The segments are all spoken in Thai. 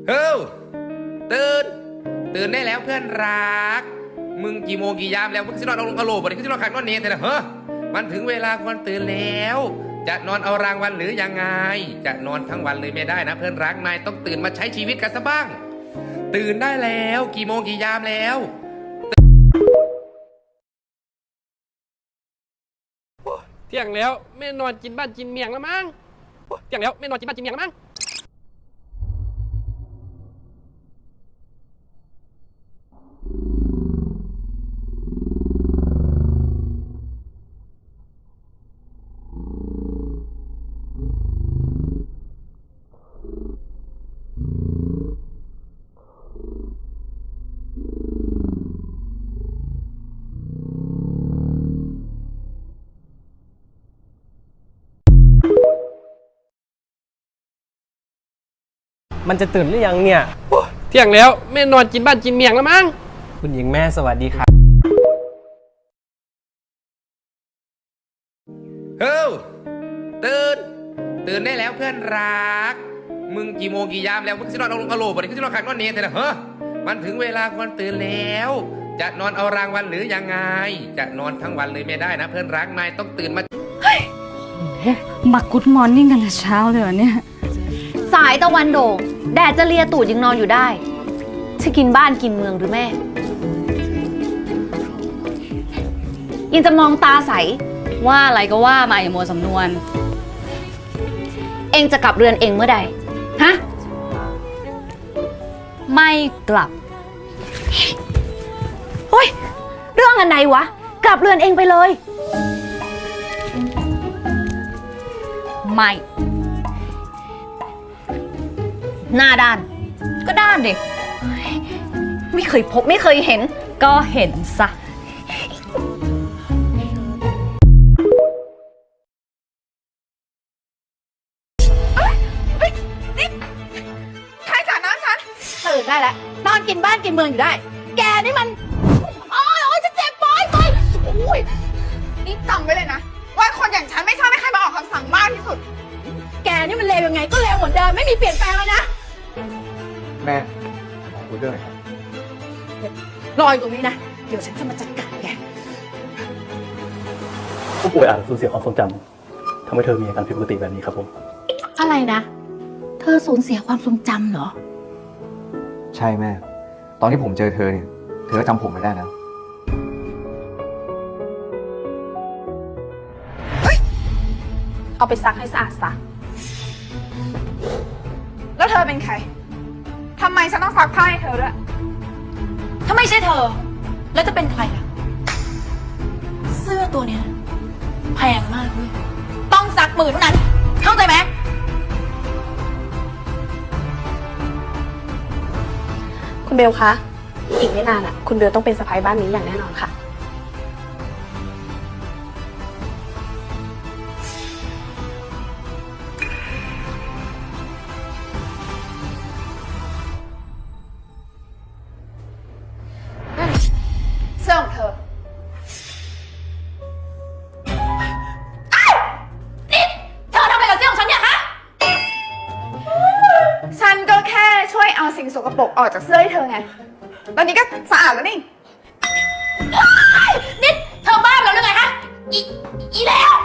เฮ้ยตื่นตื่นได้แล้วเพื่อนรักมึงกี่โมงกี่ยามแล้วมึงสินอนเอาลงกะโหลกบ่ได้คือสินอนขังนอนเนรแต่ละเฮ้อมันถึงเวลาควรตื่นแล้วจะนอนเอารางวัลหรือยังไงจะนอนทั้งวันเลยไม่ได้นะเพื่อนรักนายต้องตื่นมาใช้ชีวิตกันซะบ้างตื่นได้แล้วกี่โมงกี่ยามแล้วเที่ยงแล้วไม่นอนกินบ้านกินเมียงแล้วมั้งเที่ยงแล้วไม่นอนกินบ้านกินเมียงแล้วมั้งมันจะตื่นหรือยังเนี่ยเที่ยงแล้วไม่นอนกินบ้านกินเมียงแล้วมั้งคุณหญิงแม่สวัสดีครับเฮ้ยตื่นได้แล้วเพื่อนรักมึงกี่โมงกี่ยามแล้วมึงสินอนเอาลงกะโหลกบ่ได้คือสินอนขังนอนเนรแต่ละเฮ้อมันถึงเวลาควรตื่นแล้วจะนอนเอารางวัลหรือยังไงจะนอนทั้งวันเลยไม่ได้นะเพื่อนรักนายต้องตื่นมามากุดมอร์นิ่งกันแต่เช้าเลยเหรอเนี่ยสายตะวันโด่งแดดจะเลียตูดยังนอนอยู่ได้จะกินบ้านกินเมืองหรือแม่ยังจะมองตาใสว่าอะไรก็ว่ามาอย่ามัวสำนวนเองจะกลับเรือนเองเมื่อใดฮะไม่กลับเฮ้ยเรื่องอันไหนวะกลับเรือนเองไปเลยไม่หน้าด้านก็ด้านดิไม่เคยพบไม่เคยเห็นก็เห็นซะใครจ่าน้ำฉันตื่นได้แล้วนอนกินบ้านกินเมืองอยู่ได้แกนี่มันโอ้ยจะเจ็บปอยโอ้ยนี่จำไว้เลยนะว่าคนอย่างฉันไม่ชอบให้ใครมาออกคำสั่งมากที่สุดแกนี่มันเลวยังไงก็เลวเหมือนเดิมไม่มีเปลี่ยนแปลงเลยนะแม่ขอคุยด้วยหน่อยครับรออยู่ตรงนี้นะเดี๋ยวฉันจะมาจัดการแกผู้ป่วยอาจสูญเสียความทรงจำทำให้เธอมีอาการผิดปกติแบบนี้ครับผมอะไรนะเธอสูญเสียความทรงจำเหรอใช่แม่ตอนที่ผมเจอเธอเนี่ยเธอก็จำผมไม่ได้แล้วเอาไปซักให้สะอาดซะแล้วเธอเป็นใครทำไมฉันต้องซักผ้าให้เธอด้วยถ้าไม่ใช่เธอแล้วจะเป็นใครล่ะเสื้อตัวเนี้ยแพงมากด้วยต้องซักมือเท่านั้นเข้าใจไหมคุณเบลคะอีกไม่นานคุณเบลต้องเป็นสะใภ้บ้านนี้อย่างแน่นอนค่ะเสื้อของเธอนี่เธอทำอะไรกับเสื้อของฉันเนี่ยฮะฉันก็แค่ช่วยเอาสิ่งสกปรกออกจากเสื้อให้เธอไงตอนนี้ก็สะอาดแล้วนี่นี่เธอบ้าแล้วหรือไงฮะอีแล้ว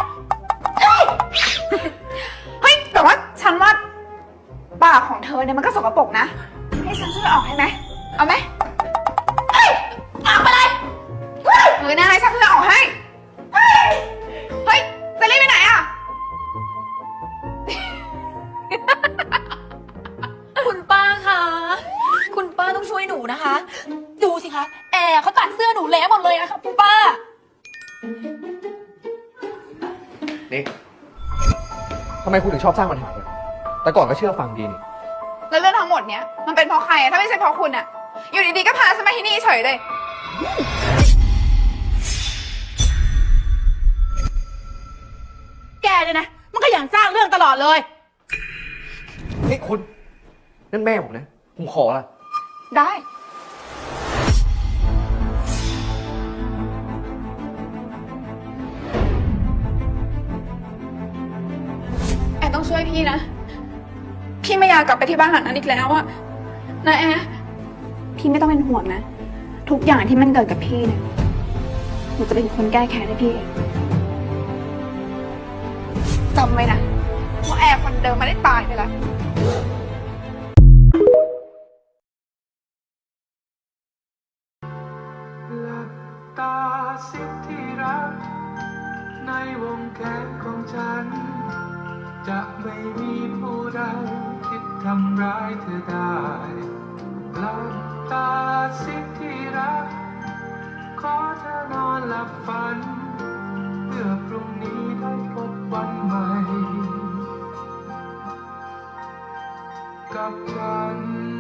เฮ้ยแต่ว่าฉันว่าปากของเธอเนี่ยมันก็สกปรกนะให้ฉันช่วยออกให้ไหมเอาไหมออกไปเลยเฮ้ยนายฉันจะออกให้เฮ้ยจะรีบไปไหนอ่ะคุณป้าคะคุณป้าต้องช่วยหนูนะคะดูสิคะแอร์เขาตัดเสื้อหนูเละหมดเลยอะค่ะคุณป้านี่ทำไมคุณถึงชอบสร้างปัญหาแต่ก่อนก็เชื่อฟังดีนี่แล้วเรื่องทั้งหมดเนี้ยมันเป็นเพราะใครอะถ้าไม่ใช่เพราะคุณอะอยู่ดีๆก็พาฉันมาที่นี่เฉยเลยแกเนี่ยนะมันก็อย่างสร้างเรื่องตลอดเลยนี่คุณนั่นแม่ผมนะผมขอละได้ ต้องช่วยพี่นะพี่ไม่อยากกลับไปที่บ้านหลังนั้นอีกแล้วอะนะแอร์พี่ไม่ต้องเป็นห่วงนะ ทุกอย่างที่มันเกิดกับพี่เนี่ยหนูจะเป็นคนแก้แค้นให้พี่เองจำไว้นะว่าแอร์คนเดิมไม่ได้ตายไปแล้วหลับตาสิที่รักในวงแขนของฉัน จะไม่มีผู้ใดคิดทำร้ายเธอได้หลับตาสิที่รักขอเธอนอนหลับฝัน เพื่อพรุ่งนี้ได้พบวันใหม่ กับฉัน